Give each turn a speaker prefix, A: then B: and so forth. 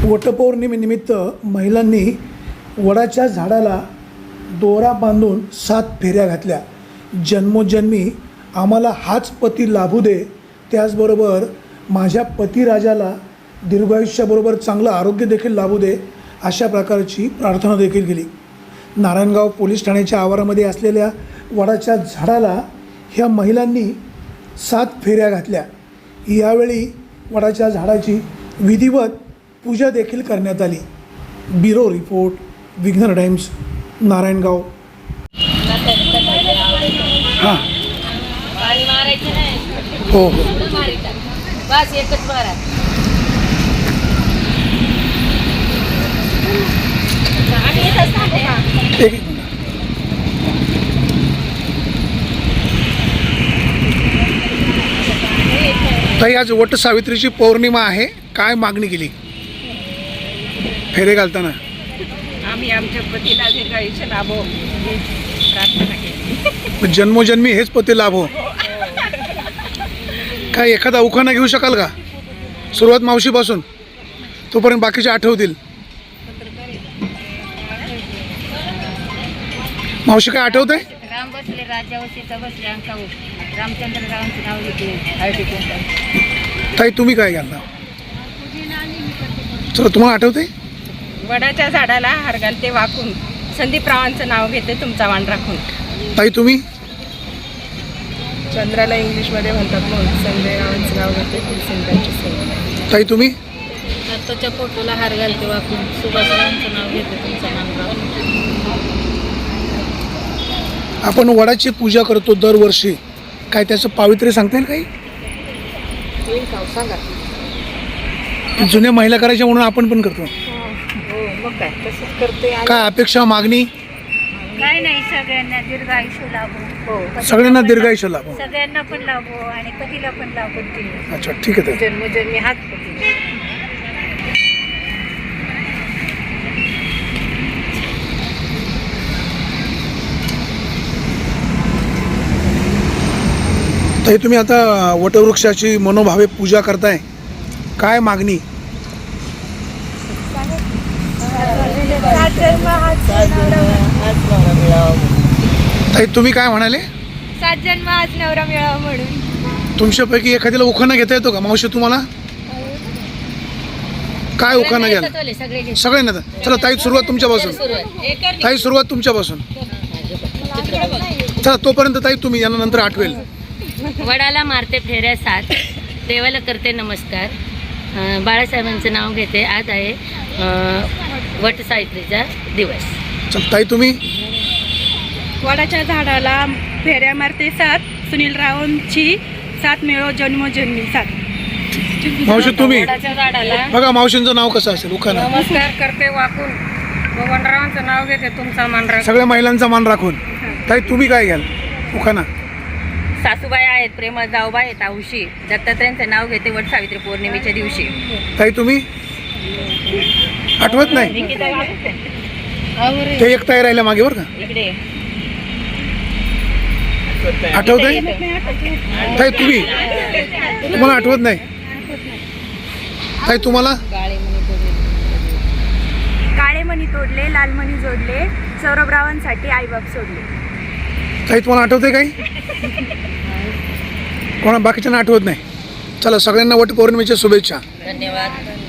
A: वटपौर्णिमेनिमित्त महिलांनी वडाच्या झाडाला दोरा बांधून 7 फेऱ्या घातल्या. जन्मोजन्मी आम्हाला हाच पती लाभू दे, त्याचबरोबर माझ्या पतिराजाला दीर्घायुष्याबरोबर चांगलं आरोग्य देखील लाभू दे, अशा प्रकारची प्रार्थना देखील केली. नारायणगाव पोलीस ठाण्याच्या आवारामध्ये असलेल्या वडाच्या झाडाला ह्या महिलांनी 7 फेऱ्या घातल्या. यावेळी वडाच्या झाडाची विधिवत पूजा देखील करण्यात आली. Bureau report, Vighnahar Times, Narayangaon. हां हो हो
B: बस एकच मारा.
A: एक मिनिट. ताई, आज वट सावित्रीची पौर्णिमा आहे, काय मागणी केली फेरे घालताना?
B: आम्ही आमच्या पतीला दीर्घायुष्य लाभो ही प्रार्थना केली.
A: जन्मोजन्मी हेच पती लाभो. काय एखादा उखाणा घेऊ शकाल का? सुरुवात मावशीपासून, तोपर्यंत बाकीचे आठवतील. मावशी, काय आठवतंय?
B: राम बसले राज्यावर, सीता बसले अंकावर, रामचंद्र रावांचं नाव घेतले हळदी कुंकू.
A: ताई, तुम्ही काय घालता? चला, तुम्हाला आठवतंय?
B: वडाच्या झाडाला हार घालते वाकून, संदीप रावांचं नाव घेते तुमचा मान राखून.
A: ताई, तुम्ही?
B: चंद्राला इंग्लिशमध्ये म्हणतात म्हणून संजय रावांचं नाव घेते फुलसिंगाची सेवा.
A: ताई, तुम्ही?
B: दत्ताच्या फोटोला हार घालते वाकून, सुभाष रावांचं नाव घेते तुमचा मान राखून.
A: आपण वडाची पूजा करतो दरवर्षी, काय त्याचं पावित्र्य सांगता येईल काही?
B: सांगा.
A: जुन्या महिला करायच्या म्हणून आपण पण करतो.
B: हो, मग काय तसंच करते.
A: काय अपेक्षा, मागणी?
C: काय नाही, सगळ्यांना दीर्घ आयुष्य लाभो.
B: हो,
A: सगळ्यांना दीर्घायुष्य लाभो.
C: सगळ्यांना पण लाभो आणि पतीला पण लाभो ते.
A: अच्छा, ठीक आहे ताई.
B: जन्मोजन्मी हाच पती.
A: ताई, तुम्ही आता वटवृक्षाची मनोभावे पूजा करताय, काय मागणी? ताई, तुम्ही काय म्हणाले?
C: 7 जन्म आज नवरा मिळावा म्हणून.
A: तुमच्यापैकी एखाद्याला उखाणा घेता येतो का? मावशी, तुम्हाला काय उखाणा घ्याल? सगळ्यांना. चला ताई, सुरुवात तुमच्यापासून. ताई, सुरुवात तुमच्यापासून. चला, तोपर्यंत ताई तुम्ही, यानंतर आठवेल.
B: वडाला मारते फेऱ्या 7, देवाला करते नमस्कार, बाळासाहेबांचं नाव घेते. आज आहे वट सावित्रीचा दिवस.
A: चल ताई, तुम्ही?
C: वडाच्या झाडाला फेऱ्या मारते 7, सुनील रावांची 7 मिळो जन्मोजन्मी 7.
A: मावशी, तुम्ही?
B: वडाच्या झाडाला
A: बघा मावशींचं नाव कसं असेल उखाणा.
B: नमस्कार करते वाकून, भगवानरावांचं नाव घेते तुमचा मान राखून.
A: सगळ्या महिलांचा मान राखून. ताई, तुम्ही काय घ्याल उखाणा?
B: सासूबाई आहेत, प्रेमळ जाऊबाई आहेत, आऊशी दत्तात्रयांचं नाव घेते वट सावित्री पौर्णिमेच्या दिवशी.
A: ताई, तुम्ही? आठवत नाही? ते एक ताई राहिल्या मागे, बरं का?
B: इकडे
A: आठवतंय? ताई, तुम्ही? तुम्हाला आठवत नाही? ताई, तुम्हाला?
C: काळे मणी तोडले, लाल मणी जोडले, सौरभ रावांसाठी आईबाप सोडले.
A: ताई, तुम्हाला आठवतंय काही? कोणा बाकीच्यांना आठवत नाही? चला, सगळ्यांना वट पौर्णिमेच्या शुभेच्छा.
B: धन्यवाद.